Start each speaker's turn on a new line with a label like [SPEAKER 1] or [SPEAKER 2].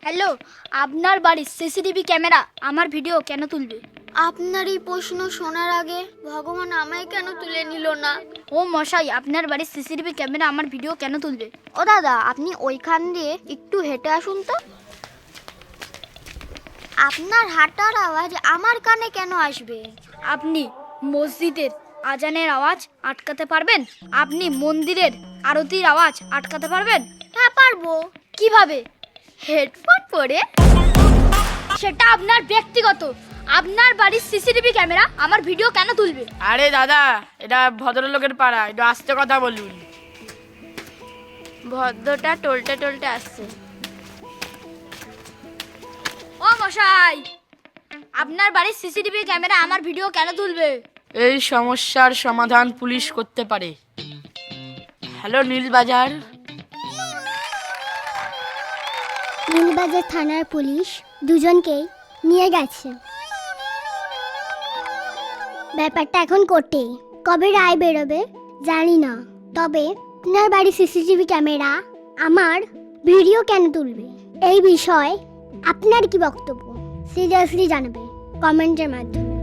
[SPEAKER 1] Hello, আপনার বাড়ির CCTV camera আমার ভিডিও কেন তুলবে?
[SPEAKER 2] আপনার এই প্রশ্ন শোনার আগে ভগবান আমায় কেন তুলে নিল না?
[SPEAKER 1] ও মশাই, আপনার বাড়ির সিসিটিভি ক্যামেরা আমার ভিডিও কেন তুলবে?
[SPEAKER 2] ও দাদা, আপনি ওইখান দিয়ে একটু হেঁটে আসুন তো। আপনার হাঁটার আওয়াজ আমার কানে কেন আসবে?
[SPEAKER 1] আপনি মসজিদের আজানের আওয়াজ আটকাতে পারবেন? আপনি মন্দিরের আরতির আওয়াজ আটকাতে পারবেন?
[SPEAKER 2] হ্যাঁ, পারবো।
[SPEAKER 1] কিভাবে? হেডফোন পরে? সেটা আপনার ব্যক্তিগত। আপনার বাড়ির সিসিটিভি ক্যামেরা আমার ভিডিও কেন তুলবে?
[SPEAKER 3] আরে দাদা, এটা ভদ্রলোকের পাড়া, একটু আস্তে কথা বলুন।
[SPEAKER 2] ভদ্রটা টলটে টলটে আসছে।
[SPEAKER 1] ও মশাই, আপনার বাড়ির সিসিটিভি ক্যামেরা আমার ভিডিও কেন তুলবে?
[SPEAKER 3] এই সমস্যার সমাধান পুলিশ করতে পারে। হ্যালো নীলবাজার।
[SPEAKER 4] নীলবাজার থানার পুলিশ দুজনকেই নিয়ে গেছে। ব্যাপারটা এখন কোর্টে, কবে রায় বেরোবে জানি না। তবে আপনার বাড়ির সিসিটিভি ক্যামেরা আমার ভিডিও কেন তুলবে, এই বিষয়ে আপনার কি বক্তব্য সিরিয়াসলি জানাবে কমেন্টের মাধ্যমে।